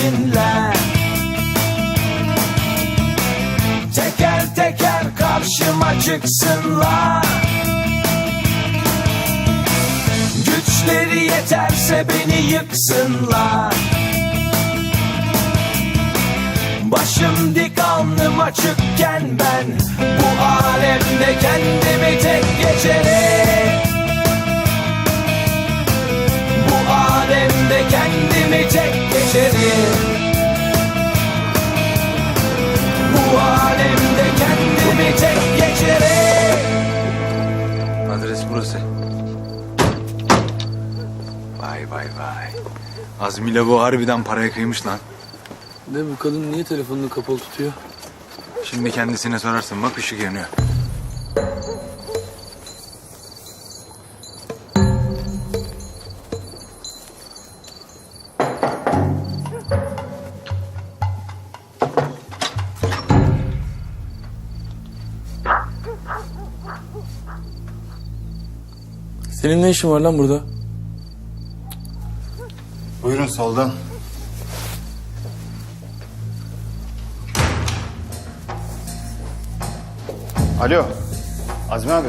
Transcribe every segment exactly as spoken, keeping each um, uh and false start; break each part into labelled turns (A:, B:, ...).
A: peşinle. Teker teker karşıma çıksınlar. Güçleri yeterse beni yıksınlar. Başım dik alnım açıkken ben bu alemde kendimi tek geçerim. Bu alemde kendimi tek geçerim. Bu alemde kendimi tek geçerim.
B: Adres burası. Vay vay vay. Azmi ile bu harbiden paraya kıymış lan.
C: Ne bu kadın niye telefonunu kapalı tutuyor?
B: Şimdi kendisine sorarsın, bak ışık yanıyor.
C: Senin ne işin var lan burada?
B: Buyurun soldan.
D: Alo, Azmi abi.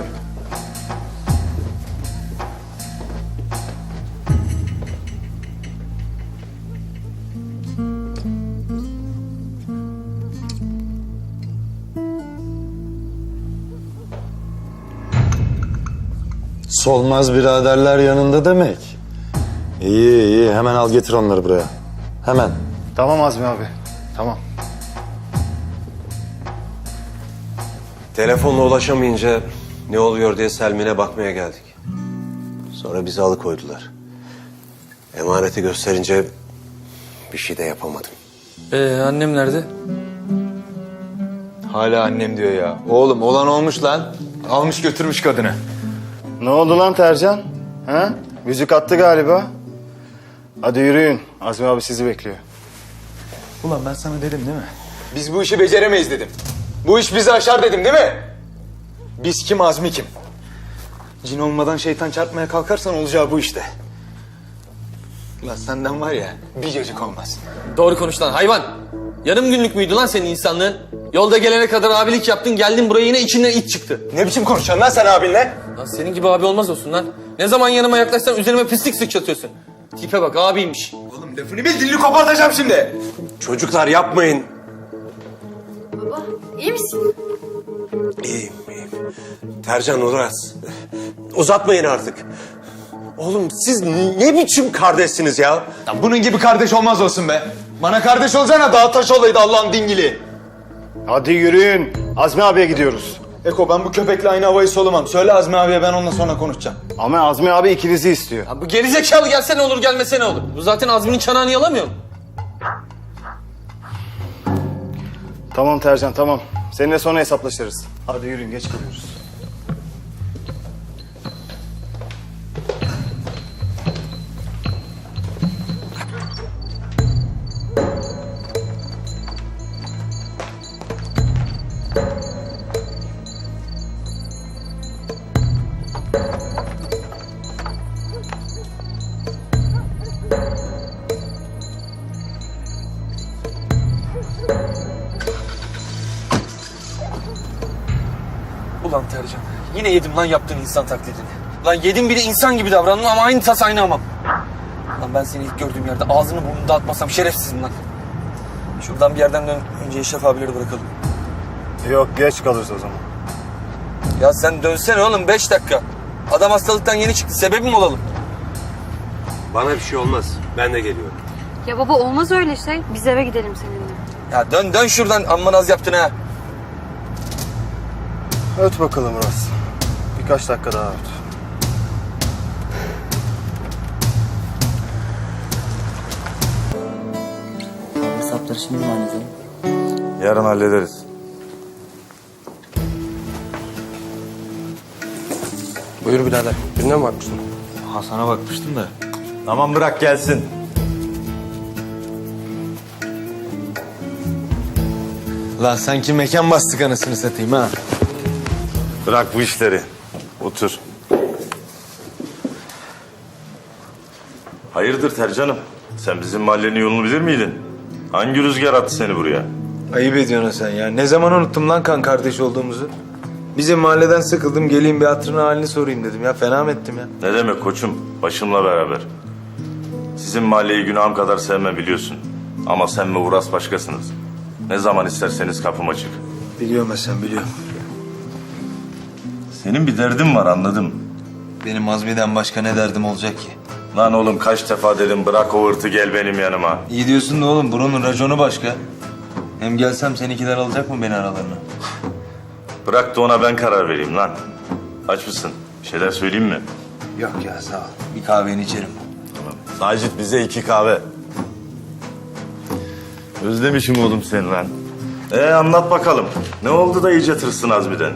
E: Solmaz biraderler yanında demek. İyi iyi, hemen al getir onları buraya. Hemen.
D: Tamam Azmi abi, tamam.
F: Telefonla ulaşamayınca ne oluyor diye Selmin'e bakmaya geldik. Sonra bizi alıkoydular. Emaneti gösterince bir şey de yapamadım.
C: Ee annem nerede?
B: Hala annem diyor ya. Oğlum olan olmuş lan. Almış götürmüş kadını.
D: Ne oldu lan Tercan? Ha? Müzik attı galiba. Hadi yürüyün, Azmi abi sizi bekliyor.
B: Ulan ben sana dedim değil mi? Biz bu işi beceremeyiz dedim. Bu iş bizi aşar dedim değil mi? Biz kim, Azmi kim? Cin olmadan şeytan çarpmaya kalkarsan olacağı bu işte. Ulan senden var ya bir cacık olmaz.
C: Doğru konuş lan hayvan. Yarım günlük müydü lan senin insanlığın? Yolda gelene kadar abilik yaptın, geldin buraya yine içinden it çıktı.
B: Ne biçim konuşuyorsun lan sen abinle?
C: Lan senin gibi abi olmaz olsun lan. Ne zaman yanıma yaklaşsan üzerime pislik sıçratıyorsun. Tipe bak abiymiş.
B: Oğlum lafını bil, dilini kopartacağım şimdi.
F: Çocuklar yapmayın.
G: Baba, iyi misin?
F: İyiyim, iyiyim. Tercan, Uras. Uzatmayın artık. Oğlum siz ne biçim kardeşsiniz ya?
B: Ya bunun gibi kardeş olmaz olsun be. Bana kardeş olsana daha taş olaydı Allah'ın dingili.
D: Hadi yürüyün, Azmi abiye gidiyoruz.
B: Eko ben bu köpekle aynı havayı solumam. Söyle Azmi abiye, ben onunla sonra konuşacağım.
D: Ama Azmi abi ikinizi istiyor.
C: Ya bu gerizekalı gelse ne olur, gelmese ne olur? Bu zaten Azmi'nin çanağını yalamıyor mu?
D: Tamam Tercan, tamam. Seninle sonra hesaplaşırız. Hadi yürüyün, geç kalıyoruz.
C: Ulan Tercan, yine yedim lan yaptığın insan taklidini. Lan yedim bir de insan gibi davrandım ama aynı tas aynı hamam. Lan ben seni ilk gördüğüm yerde ağzını burnunu dağıtmasam şerefsizim lan. Şuradan bir yerden dön, önce Eşref abileri bırakalım.
D: Yok, geç kalırız o zaman.
C: Ya sen dönsene oğlum, beş dakika. Adam hastalıktan yeni çıktı, sebebi mi olalım?
F: Bana bir şey olmaz. Ben de geliyorum.
G: Ya baba olmaz öyle şey. Biz eve gidelim seninle.
C: Ya dön dön şuradan, amma naz yaptın ha.
D: Öt bakalım Uras. Birkaç dakika daha öt.
H: Hesapları şimdi mi halledelim?
E: Yarın hallederiz.
F: Buyur birader. Birine mi bakmıştın?
E: Hasan'a bakmıştım da. Tamam bırak gelsin.
B: Lan sanki mekan bastık anasını satayım ha.
E: Bırak bu işleri. Otur.
I: Hayırdır Tercan'ım? Sen bizim mahallenin yolunu bilir miydin? Hangi rüzgar attı seni buraya?
B: Ayıp ediyorsun sen ya. Ne zaman unuttum lan kan kardeş olduğumuzu? Bizim mahalleden sıkıldım, geleyim bir hatırına halini sorayım dedim ya. Fena mı ettim ya?
I: Ne demek koçum? Başımla beraber. Sizin mahalleyi günahım kadar sevmem biliyorsun. Ama sen ve Uras başkasınız. Ne zaman isterseniz kapım açık.
B: Biliyorum Hasan, biliyorum.
I: Senin bir derdin var anladım.
B: Benim Azmi'den başka ne derdim olacak ki?
I: Lan oğlum kaç defa dedim bırak o hırtı gel benim yanıma.
B: İyi diyorsun da oğlum, buranın raconu başka. Hem gelsem seninkiler alacak mı beni aralarına?
I: Bırak da ona ben karar vereyim lan. Aç mısın? Bir şeyler söyleyeyim mi?
B: Yok ya, sağ ol. Bir kahveni içerim.
I: Sacit bize iki kahve. Özlemişim oğlum seni lan. Ee anlat bakalım. Ne oldu da iyice tırsın Azmi'den?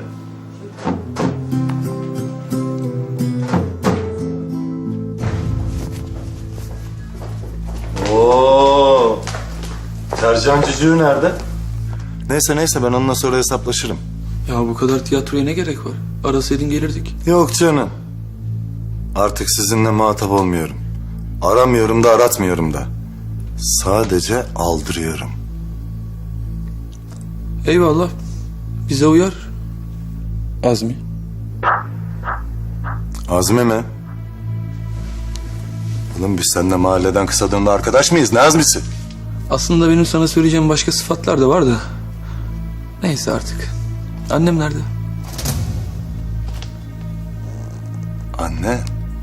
E: Oo. Tercan cücüğü nerede? Neyse neyse ben onunla sonra hesaplaşırım.
C: Ya bu kadar tiyatroya ne gerek var? Arasaydın gelirdik.
E: Yok canım. Artık sizinle muhatap olmuyorum. Aramıyorum da aratmıyorum da. Sadece aldırıyorum.
C: Eyvallah. Bize uyar. Azmi.
E: Azmi mi? Oğlum biz seninle mahalleden kısa dönemde arkadaş mıyız? Ne Azmi'si?
C: Aslında benim sana söyleyeceğim başka sıfatlar da var da. Neyse artık. Annem nerede?
E: Anne.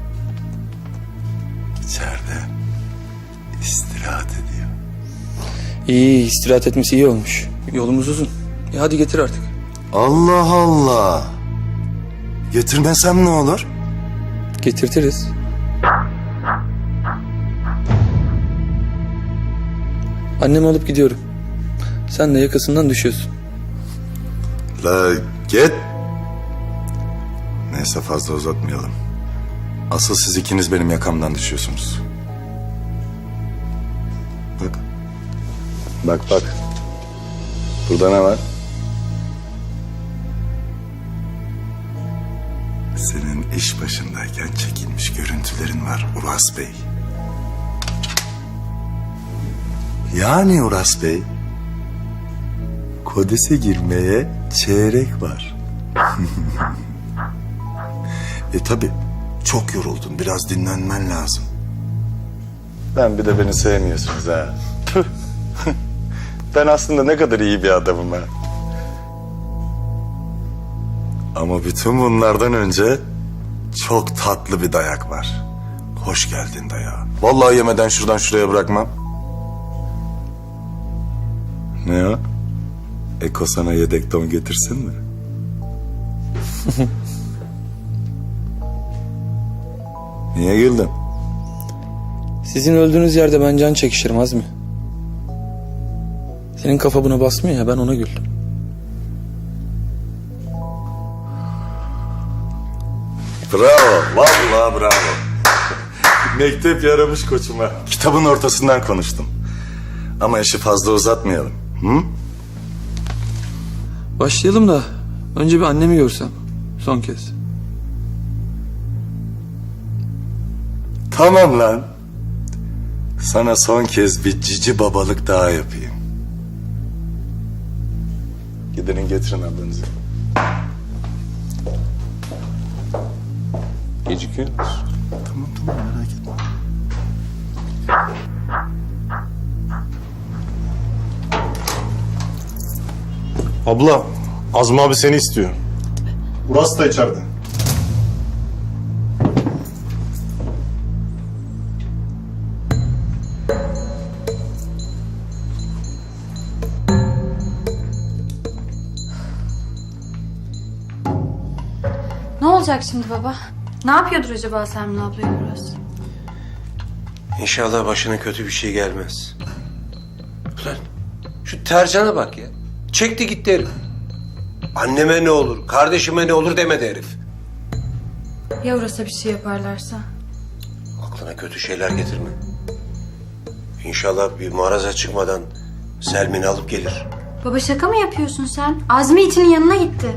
E: İçeride istirahat ediyor.
C: İyi, istirahat etmesi iyi olmuş. Yolumuz uzun. E hadi getir artık.
E: Allah Allah. Getirmesem ne olur?
C: Getirtiriz. Annemi alıp gidiyorum. Sen de yakasından düşüyorsun.
E: La git. Neyse fazla uzatmayalım. Asıl siz ikiniz benim yakamdan düşüyorsunuz. Bak. Bak bak. Burada ne var? Senin iş başındayken çekilmiş görüntülerin var Uras Bey. Yani Uras Bey, Kodes'e girmeye çeyrek var. e tabi çok yoruldun, biraz dinlenmen lazım. Ben bir de beni sevmiyorsunuz ha. Ben aslında ne kadar iyi bir adamım ha. Ama bütün bunlardan önce çok tatlı bir dayak var. Hoş geldin dayağı. Vallahi yemeden şuradan şuraya bırakmam. Ne o? Eko sana yedek don getirsin mi? Niye güldün?
C: Sizin öldüğünüz yerde ben can çekişirim Azmi. Senin kafa buna basmıyor ya, ben ona güldüm.
E: Bravo, vallahi bravo. Mektep yaramış koçuma. Kitabın ortasından konuştum. Ama işi fazla uzatmayalım. Hı?
C: Başlayalım da önce bir annemi görsem. Son kez.
E: Tamam lan. Sana son kez bir cici babalık daha yapayım. Gidin getirin ablanızı. Gecikiyor musun? Tamam tamam merak etme.
J: Abla, Azmi abi seni istiyor. Uras da içeride.
G: Ne olacak şimdi baba? Ne yapıyordur acaba Sermin ablayla Uras?
F: İnşallah başına kötü bir şey gelmez. Ulan şu Tercan'a bak ya. Çekti gitti herif. Anneme ne olur, kardeşime ne olur demedi herif.
G: Ya Uras'a bir şey yaparlarsa?
F: Aklına kötü şeyler getirme. İnşallah bir maraza çıkmadan Selmin'i alıp gelir.
G: Baba şaka mı yapıyorsun sen? Azmi itinin yanına gitti.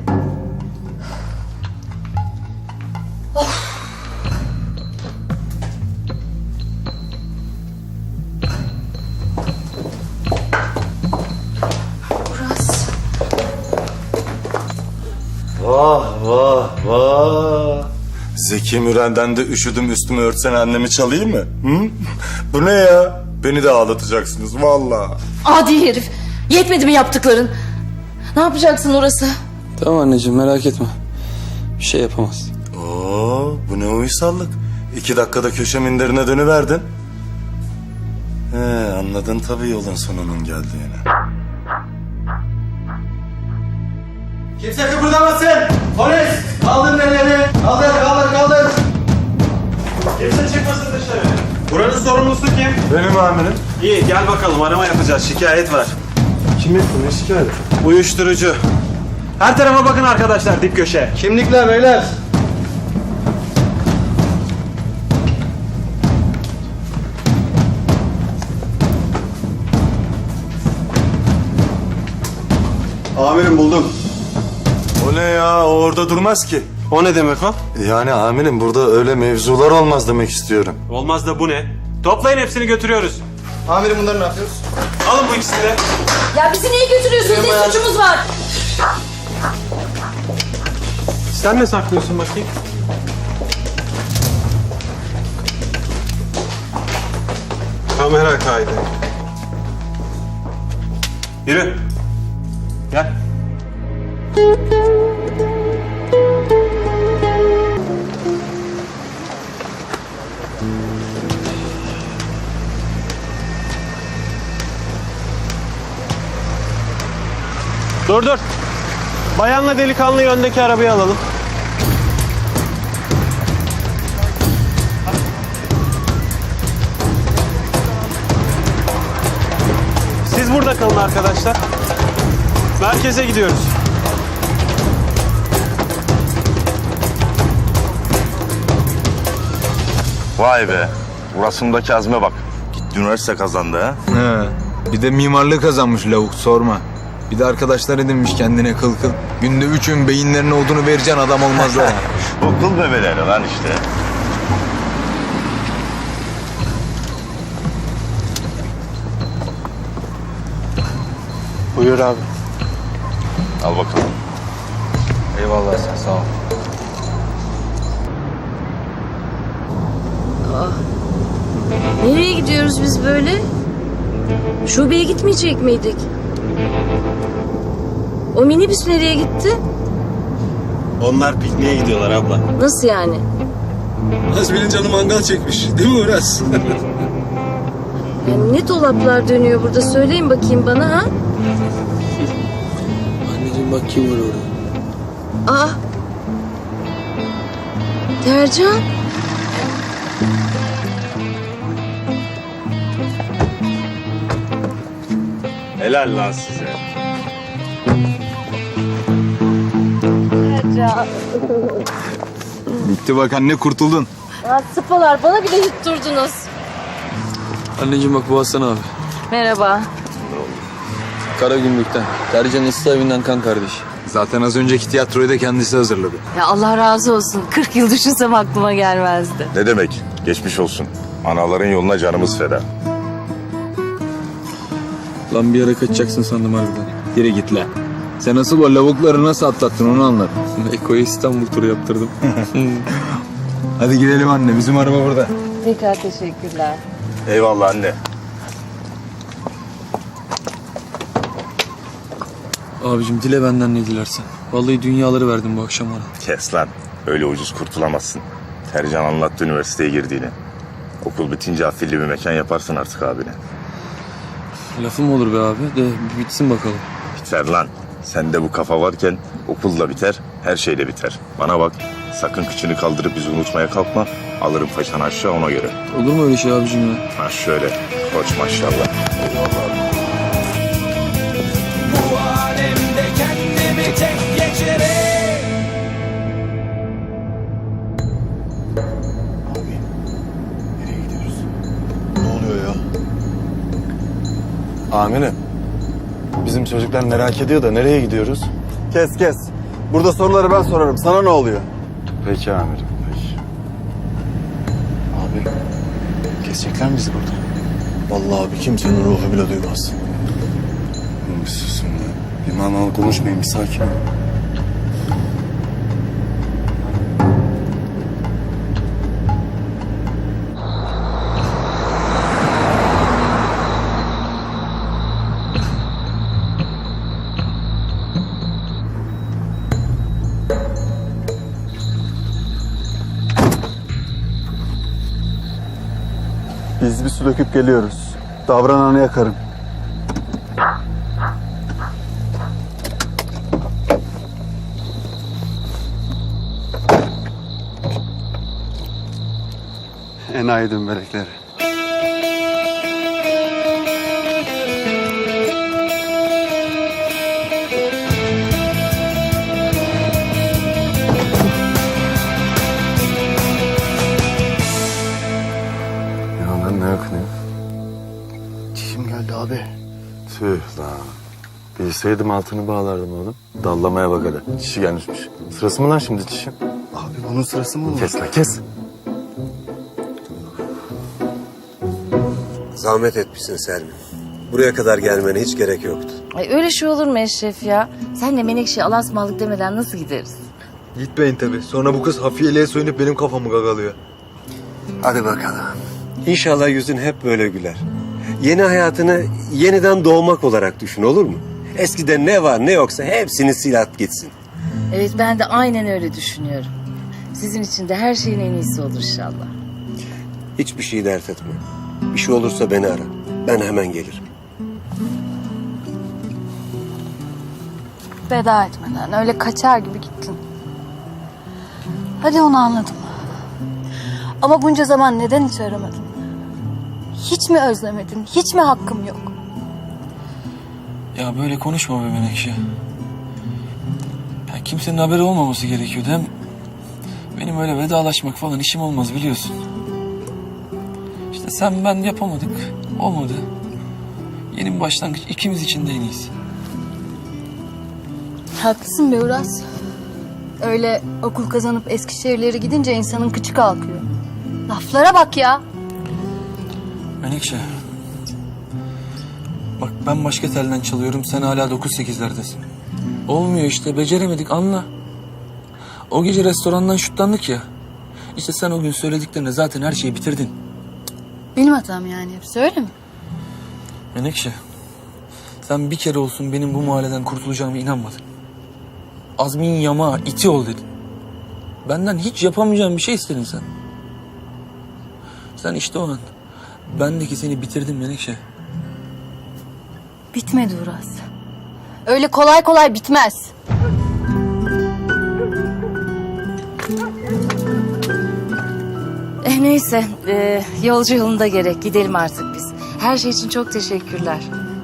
E: Vah vah vah. Zeki Müren'den de üşüdüm üstümü örtsen annemi çalayım mı? Hı? Bu ne ya? Beni de ağlatacaksınız vallahi.
K: Adi herif. Yetmedi mi yaptıkların? Ne yapacaksın orası?
C: Tamam anneciğim merak etme. Bir şey yapamaz.
E: Oo, bu ne uysallık. İki dakikada köşe minderine dönüverdin. He, anladın tabii yolun sonunun geldiğini.
B: Kimse kıpırdamasın. Polis kaldırın elleri. Kaldır kaldır kaldır.
J: Kimse çıkmasın dışarı. Buranın sorumlusu kim?
E: Benim amirim.
J: İyi gel bakalım arama yapacağız. Şikayet var.
E: Kim etti ne şikayet?
J: Uyuşturucu. Her tarafa bakın arkadaşlar dip köşe.
B: Kimlikler beyler.
D: Amirim buldum.
E: O ne ya? O orada durmaz ki.
J: O ne demek o?
E: Yani amirim burada öyle mevzular olmaz demek istiyorum.
J: Olmaz da bu ne? Toplayın hepsini götürüyoruz.
B: Amirim bunları ne yapıyoruz?
J: Alın bu ikisini de.
K: Ya bizi niye götürüyorsunuz? Ne suçumuz var?
J: Sen ne saklıyorsun bakayım? Kamera kaydı. Yürü. Gel. Dur dur. Bayanla delikanlıyı öndeki arabaya alalım. Siz burada kalın arkadaşlar. Merkeze gidiyoruz.
I: Vay be. Burasındaki azme bak. Gitti üniversite kazandı ha.
B: He. Bir de mimarlığı kazanmış lavuk sorma. Bir de arkadaşlar edinmiş kendine kıl kıl. Günde üç öğün beyinlerine odunu vereceksin adam olmazlar ha.
I: Okul bebeleri lan işte.
J: Buyur abi.
I: Al bakalım.
B: Eyvallah sen sağ ol.
K: Nereye gidiyoruz biz böyle? Şubeye gitmeyecek miydik? O minibüs nereye gitti?
J: Onlar pikniğe gidiyorlar abla.
K: Nasıl yani?
C: Nazmi'nin canı mangal çekmiş. Değil mi Uras?
K: Yani ne dolaplar dönüyor burada? Söyleyin bakayım bana ha?
C: Anneciğim bak kim var orada.
K: Aa! Tercan.
J: Helal lan size.
K: Tercan.
B: Bitti bak anne kurtuldun.
K: Ya sıpalar bana bile yutturdunuz.
C: Anneciğim bak bu Hasan abi.
K: Merhaba.
C: Kara Gümrük'ten. Tercan ıslah evinden kan kardeş.
B: Zaten az önceki tiyatroyu da kendisi hazırladı.
K: Ya Allah razı olsun. kırk yıl düşünsem aklıma gelmezdi.
I: Ne demek? Geçmiş olsun. Anaların yoluna canımız feda.
C: Lan bir ara kaçacaksın sandım harbiden.
B: Geri git lan. Sen asıl o lavukları nasıl atlattın onu anlat.
C: Eko'ya İstanbul turu yaptırdım.
B: Hadi gidelim anne bizim araba burada.
K: Tekrar teşekkürler.
I: Eyvallah anne.
C: Abicim dile benden ne dilersen. Vallahi dünyaları verdim bu akşam ona.
I: Kes lan. Öyle ucuz kurtulamazsın. Tercan anlattı üniversiteye girdiğini. Okul bitince afilli bir mekan yaparsın artık abine.
C: Lafım olur be abi de bir bitsin bakalım.
I: Biter lan. Sende bu kafa varken okul da biter, her şey de biter. Bana bak, sakın kıçını kaldırıp bizi unutmaya kalkma. Alırım faşanı aşağı ona göre.
C: Olur mu öyle şey abicim ya?
I: Ha şöyle, koç maşallah.
A: Bu alemde kendimi tek geçerim.
D: Ne oluyor ya? Amirim. Bizim çocuklar merak ediyor da nereye gidiyoruz? Kes kes. Burada soruları ben sorarım. Sana ne oluyor? Peki amirim. Peki. Abi. Kesecekler mi bizi burada? Vallahi abi kimsenin ruhu bile duymaz.
E: Bir susun ya. Bir manalı konuşmayın, bir sakin olun.
D: Biz bir su döküp geliyoruz. Davrananı yakarım. Enayi dümbelekleri.
E: Ya lan ne yakınıyor?
D: Çişim geldi abi.
E: Tüh lan. Bilseydim altını bağlardım oğlum. Dallamaya bak hadi. Çişi gelmişmiş. Sırası mı lan şimdi çişin?
D: Abi bunun sırası mı olur?
E: Kes lan kes.
F: Zahmet etmişsin Selmin. Buraya kadar gelmene hiç gerek yoktu.
K: Ay öyle şey olur mu Eşref ya? Senle Menekşe'ye alasmalık demeden nasıl gideriz?
B: Gitmeyin tabii. Sonra bu kız hafiyeliğe soyunup benim kafamı gagalıyor.
F: Hadi bakalım. İnşallah yüzün hep böyle güler. Yeni hayatını yeniden doğmak olarak düşün, olur mu? Eskiden ne var ne yoksa hepsini sil at gitsin.
K: Evet ben de aynen öyle düşünüyorum. Sizin için de her şeyin en iyisi olur inşallah.
F: Hiçbir şeyi dert etme. Bir şey olursa beni ara. Ben hemen gelirim.
G: Veda etmeden öyle kaçar gibi gittin. Hadi onu anladım. Ama bunca zaman neden hiç aramadın? Hiç mi özlemedin? Hiç mi hakkım yok?
C: Ya böyle konuşma be Menekşe. Ya kimsenin haberi olmaması gerekiyordu. Hem benim öyle vedalaşmak falan işim olmaz biliyorsun. İşte sen ben yapamadık. Olmadı. Yeni bir başlangıç ikimiz için de en iyisi.
G: Haklısın be Uras. Öyle okul kazanıp Eskişehir'lere gidince insanın kıçı kalkıyor. Laflara bak ya.
C: Menekşe. Bak ben başka telden çalıyorum, sen hala dokuz sekizlerdesin. Olmuyor işte, beceremedik, anla. O gece restorandan şutlandık ya. İşte sen o gün söylediklerine zaten her şeyi bitirdin.
G: Benim hatam yani hepsi öyle mi?
C: Menekşe. Sen bir kere olsun benim bu mahalleden kurtulacağıma inanmadın. Azmin yama, iti ol dedin. Benden hiç yapamayacağım bir şey istedin sen. Sen işte o an. Bendeki seni bitirdin Menekşe.
G: Bitmedi Uras. Öyle kolay kolay bitmez.
K: Eh neyse e, yolcu yolunda gerek gidelim artık biz. Her şey için çok teşekkürler.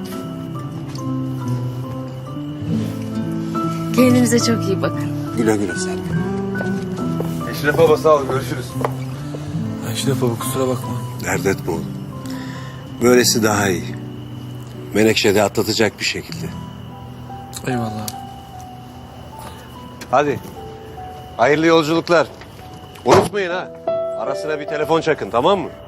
K: Kendinize çok iyi bakın.
F: Güle güle Selmin.
B: Eşref baba sağ ol. Görüşürüz.
C: Eşref baba kusura bakma.
F: Dert etme oğlum. Böylesi daha iyi. Menekşe de atlatacak bir şekilde.
C: Eyvallah.
F: Hadi. Hayırlı yolculuklar. Unutmayın ha. Arasına bir telefon çakın, tamam mı?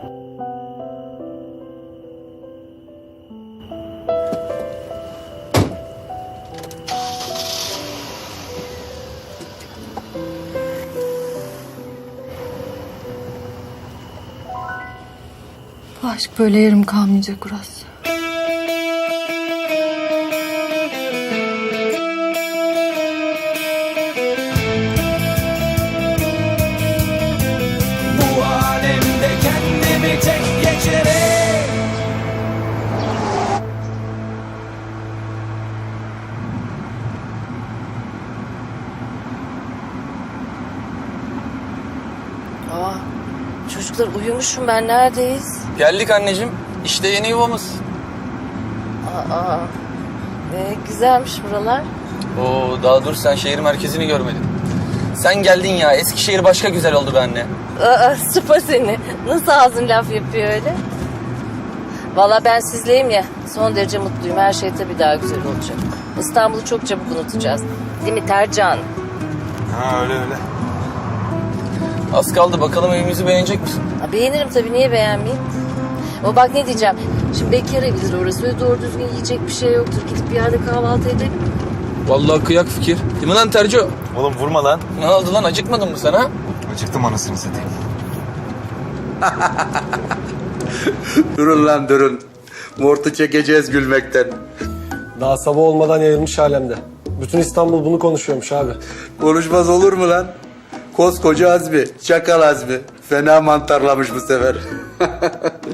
G: Bu aşk böyle yarım kalmayacak Uras.
A: Bu alemde kendimi tek geçerek
K: Aa, çocuklar uyumuşum ben neredeyiz?
C: Geldik anneciğim. İşte yeni yuvamız.
K: Aa, e, güzelmiş buralar.
C: Oo daha dur sen şehir merkezini görmedin. Sen geldin ya. Eskişehir başka güzel oldu be anne.
K: Aa, sıpa seni. Nasıl ağzın laf yapıyor öyle? Valla ben sizleyim ya. Son derece mutluyum. Her şey tabii daha güzel olacak. İstanbul'u çok çabuk unutacağız. Değil mi Tercan?
B: Ha öyle öyle.
C: Az kaldı. Bakalım evimizi beğenecek misin?
K: Ha, beğenirim tabii. Niye beğenmeyeyim? Ama bak ne diyeceğim. Şimdi bekar evidir orası. Öyle doğru düzgün yiyecek bir şey yoktur. Gidip bir yerde kahvaltı edelim.
C: Vallahi kıyak fikir. Değil mi lan Terco?
B: Oğlum vurma lan.
C: Ne oldu lan? Acıkmadın mı sen ha?
B: Acıktım anasını satayım.
L: Durun lan durun. Mortu çekeceğiz gülmekten.
J: Daha sabah olmadan yayılmış alemde. Bütün İstanbul bunu konuşuyormuş abi.
L: Konuşmaz olur mu lan? Koskoca Azmi, çakal Azmi. Fena mantarlamış bu sefer.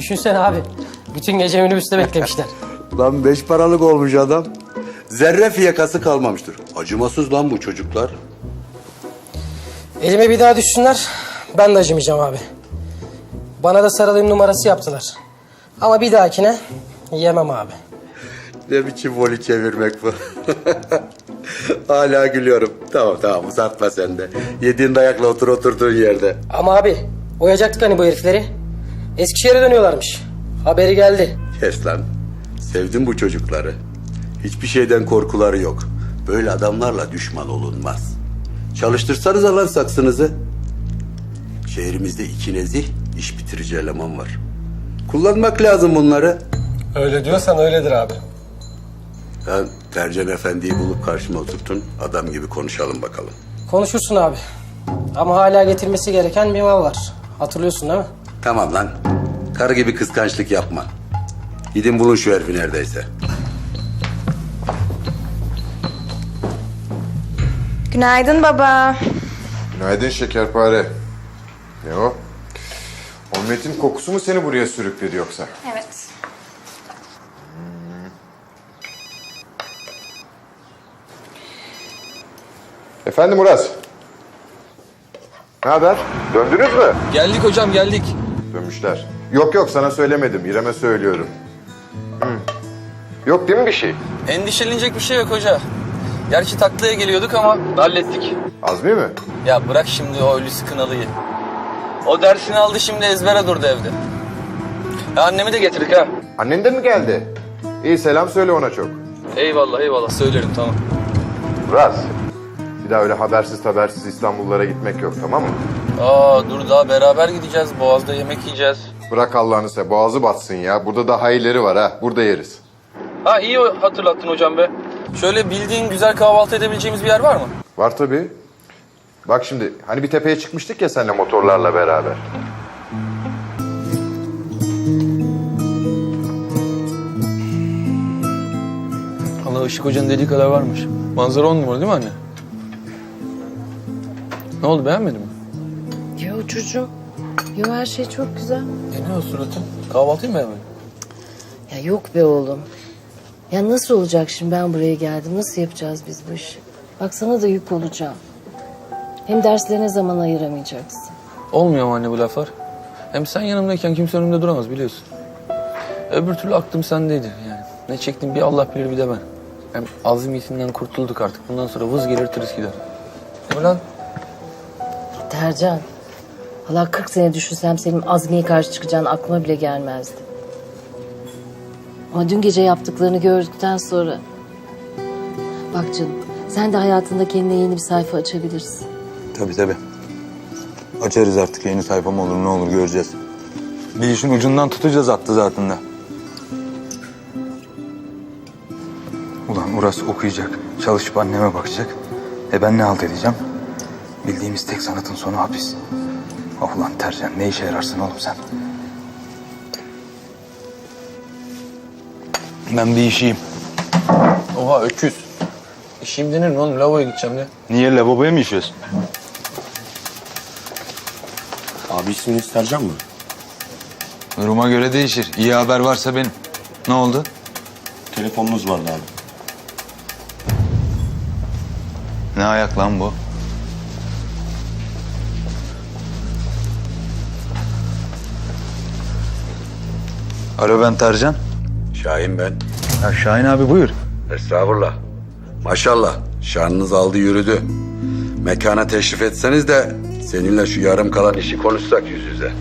H: Düşünsene abi. Bütün gece minibüste beklemişler.
L: Lan beş paralık olmuş adam. Zerre fiyakası kalmamıştır. Acımasız lan bu çocuklar.
H: Elime bir daha düşsünler. Ben de acımayacağım abi. Bana da sarılayım numarası yaptılar. Ama bir dahakine yemem abi.
L: Ne biçim voli çevirmek bu? Hala gülüyorum. Tamam tamam uzatma sen de. Yediğin dayakla otur oturduğun yerde.
H: Ama abi oyacaktık hani bu herifleri. Eskişehir'e dönüyorlarmış. Haberi geldi.
L: Kes lan. Sevdim bu çocukları. Hiçbir şeyden korkuları yok. Böyle adamlarla düşman olunmaz. Çalıştırsanız lan saksınızı. Şehrimizde iki nezih iş bitirici eleman var. Kullanmak lazım bunları.
H: Öyle diyorsan öyledir abi.
L: Ben Tercan Efendi'yi bulup karşıma oturtun. Adam gibi konuşalım bakalım.
H: Konuşursun abi. Ama hala getirmesi gereken bir mal var. Hatırlıyorsun değil mi?
L: Tamam lan. Karı gibi kıskançlık yapma. Gidin bulun şu herifi neredeyse.
M: Günaydın baba.
N: Günaydın şekerpare. Ne o? Omletin kokusu mu seni buraya sürükledi yoksa?
M: Evet.
N: Efendim Uras. Ne haber? Döndünüz mü?
C: Geldik hocam geldik.
N: Dönmüşler. Yok yok sana söylemedim. İrem'e söylüyorum. Hı. Yok değil mi bir şey?
C: Endişelenecek bir şey yok hoca. Gerçi taklaya geliyorduk ama hallettik.
N: Azmi mi?
C: Ya bırak şimdi o Hulusi Kınalı'yı. O dersini aldı şimdi ezbere durdu evde. Ya annemi de getirdik ha.
N: Annen de mi geldi? İyi selam söyle ona çok.
C: Eyvallah eyvallah söylerim tamam.
N: Uras. Bir daha öyle habersiz habersiz İstanbullara gitmek yok tamam mı?
C: Aa dur daha beraber gideceğiz. Boğaz'da yemek yiyeceğiz.
N: Bırak Allah'ını seversen boğazı batsın ya. Burada daha iyileri var ha. Burada yeriz.
C: Ha iyi hatırlattın hocam be. Şöyle bildiğin güzel kahvaltı edebileceğimiz bir yer var mı?
N: Var tabii. Bak şimdi hani bir tepeye çıkmıştık ya seninle motorlarla beraber.
C: Allah Işık Hoca'nın dediği kadar varmış. Manzara on numara değil mi anne? Ne oldu beğenmedin mi?
K: Yo çocuğum. Yo her şey çok güzel.
C: E ne o suratın? Kahvaltıyı mı beğenmedin?
K: Ya yok be oğlum. Ya nasıl olacak şimdi ben buraya geldim? Nasıl yapacağız biz bu işi? Bak sana da yük olacağım. Hem derslerine zaman ayıramayacaksın.
C: Olmuyor mu anne bu laflar? Hem sen yanımdayken kimse önümde duramaz biliyorsun. Öbür türlü aklım sendeydi yani. Ne çektim bir Allah bilir bir de ben. Hem azmiyetinden kurtulduk artık. Bundan sonra vız gelir tırıs gider. Değil mi lan?
K: Tercan. Valla kırk sene düşünsem senin Azmi'ye karşı çıkacağın aklıma bile gelmezdi. Ama dün gece yaptıklarını gördükten sonra... Bak canım, sen de hayatında kendine yeni bir sayfa açabilirsin.
B: Tabii tabii. Açarız artık yeni sayfa mı olur ne olur göreceğiz. Bir işin ucundan tutacağız attı zaten de. Ulan Uras okuyacak, çalışıp anneme bakacak. E ben ne halt edeceğim? Bildiğimiz tek sanatın sonu hapis. Oh ulan Tercan ne işe yararsın oğlum sen? Ben bir işiyim.
C: Oha öküz. İşim denir mi oğlum? Lavaboya gideceğim de.
B: Niye lavaboya mı işiyorsun?
L: Abi isminiz Tercan mı?
B: Duruma göre değişir. İyi haber varsa benim. Ne oldu?
L: Telefonunuz vardı abi.
B: Ne ayak lan bu? Alo ben Tercan.
L: Şahin ben.
B: Ya Şahin abi buyur.
L: Estağfurullah. Maşallah şanınız aldı yürüdü. Mekana teşrif etseniz de seninle şu yarım kalan işi konuşsak yüz yüze.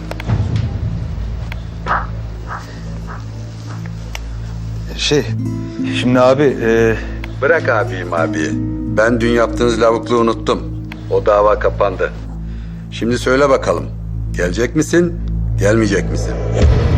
B: Şey, şimdi abi... E...
L: Bırak abiyim abi. Ben dün yaptığınız lavukluğu unuttum. O dava kapandı. Şimdi söyle bakalım. Gelecek misin, gelmeyecek misin?